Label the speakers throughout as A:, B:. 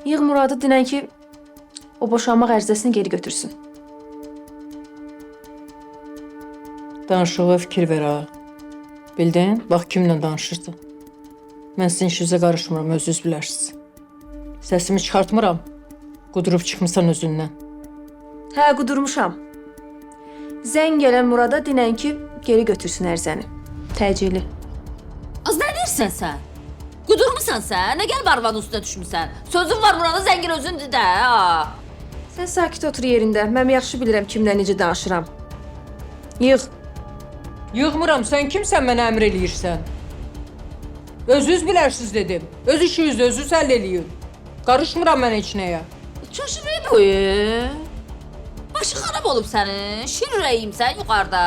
A: Yığ Muradı dinən ki, o boşanmaq ərizəsini geri götürsün.
B: Danışığa fikir ver ha. Bildin? Bax kimlə danışırsan. Mən sizin işinizə qarışmıram, özünüz bilərsiniz. Səsimi çıxartmıram. Qudurub çıxmısan özündən.
A: Hə, qudurmuşam. Zəng gələn Murada dinən ki, geri götürsün ərizəni. Təcili.
C: Az nə deyirsən sən? Qudurmusan sən? Nə gəlib arvadın üstünə düşmüsən? Sözün var Murada, zəngin özündür də. Ha.
A: Sən sakit otur yerində. Mən yaxşı bilirəm kimlə necə danışıram. Yığ.
B: Yığmıram, sən kimsən mənə əmr eləyirsən? Özünüz bilərsiniz dedim. Öz işinizi özünüz həll eləyin. Qarışmıram mən heç nəyə.
C: Çoşunu boyu. Başı xarab olub sənin. Şir ürəyimsən yuxarıda.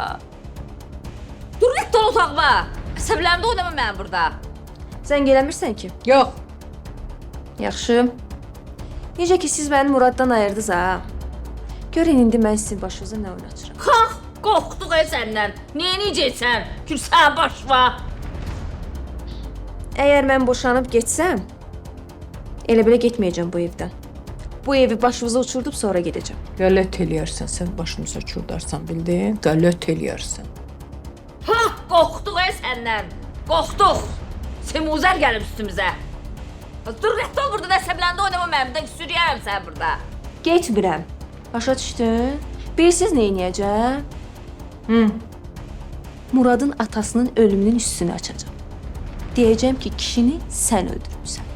C: Dur, get dol otağıma. Əsəblərimdə oynama mən burada.
A: Sən gələmirsən ki?
B: Yox.
A: Yaxşı. Necə ki, siz məni Muraddan ayırdınız ha. Görün indi mən sizin başınıza nə oyun açıram.
C: Qalx, qorxduq səndən. Niyə necəsən? Gülsən başva.
A: Əgər mən boşanıb getsəm, elə belə getməyəcəm bu evdən. Bu evi başımıza uçurdub sonra gedəcəm.
B: Qələt eləyərsən, sən başımıza çurdarsan, bildin? Qələt eləyərsən.
C: Ha, qorxduq səndən. Qorxduq. Semuzər gəlib üstümüzə. Dur, get ol burada, əsəbləndə oynama mənimdə. Sürüyərəm sən burada.
A: Getmirəm. Başa düşdün? Bilirsiniz nə edəcəm? Muradın atasının ölümünün üstünü açacağam. Deyəcəm ki, kişini sən öldürmüsən.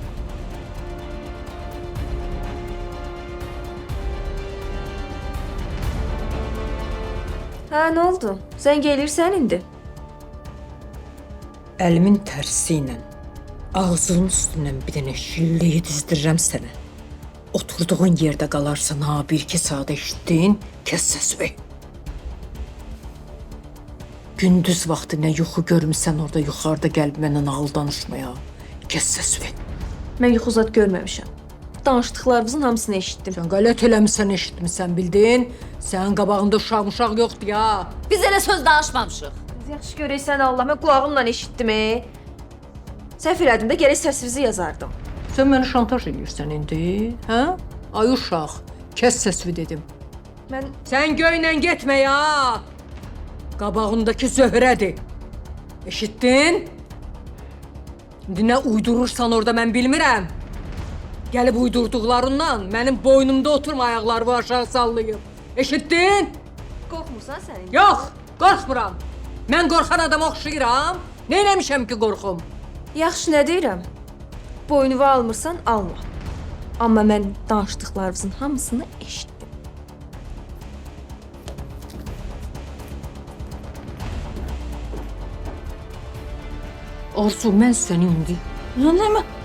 A: Hə, nə oldu? Zəng elirsən indi.
B: Əlimin tərsi ilə ağzının üstündən bir dənə şilləyi dizdirirəm sənə. Oturduğun yerdə qalarsan, ha, bir-iki saat eşitdin, kəs səsini. Gündüz vaxtı nə yuxu görmüsən orada yuxarıda gəlib mənə nağıl danışmaya. Kəs səsini.
A: Mən yuxu zad görməmişəm. Danışdıqlarınızın hamısını eşitdim.
B: Sən qələt eləmisən, eşitmisən, bildin? Sənin qabağında uşaq yoxdur ya.
C: Biz elə söz danışmamışıq.
A: Yaxşı görəysən Allah, mən qulağımla eşitdim. Səhv elədim də gərək səsinizi yazardım.
B: Sən məni şantaj edirsən indi, hə? Ay uşaq, kəs səsini dedim.
A: Mən
B: Sən göylə getmə ya. Qabağındakı Zöhrədir. Eşitdin? İndi nə uydurursan orada mən bilmirəm. Gəlib uydurduqlarından mənim boynumda oturma, ayaqlarımı aşağı sallayıb. Eşitdin?
A: qorxmursan sən indi?
B: Yox, qorxmuram. Mən qorxan adama oxşayıram. Nə eləmişəm ki, qorxum?
A: Yaxşı, nə deyirəm? Boynuva almırsan, alma. Amma mən danışdıqlarınızın hamısını eşitdim.
B: Arzu, mən səni indi...
C: Nə?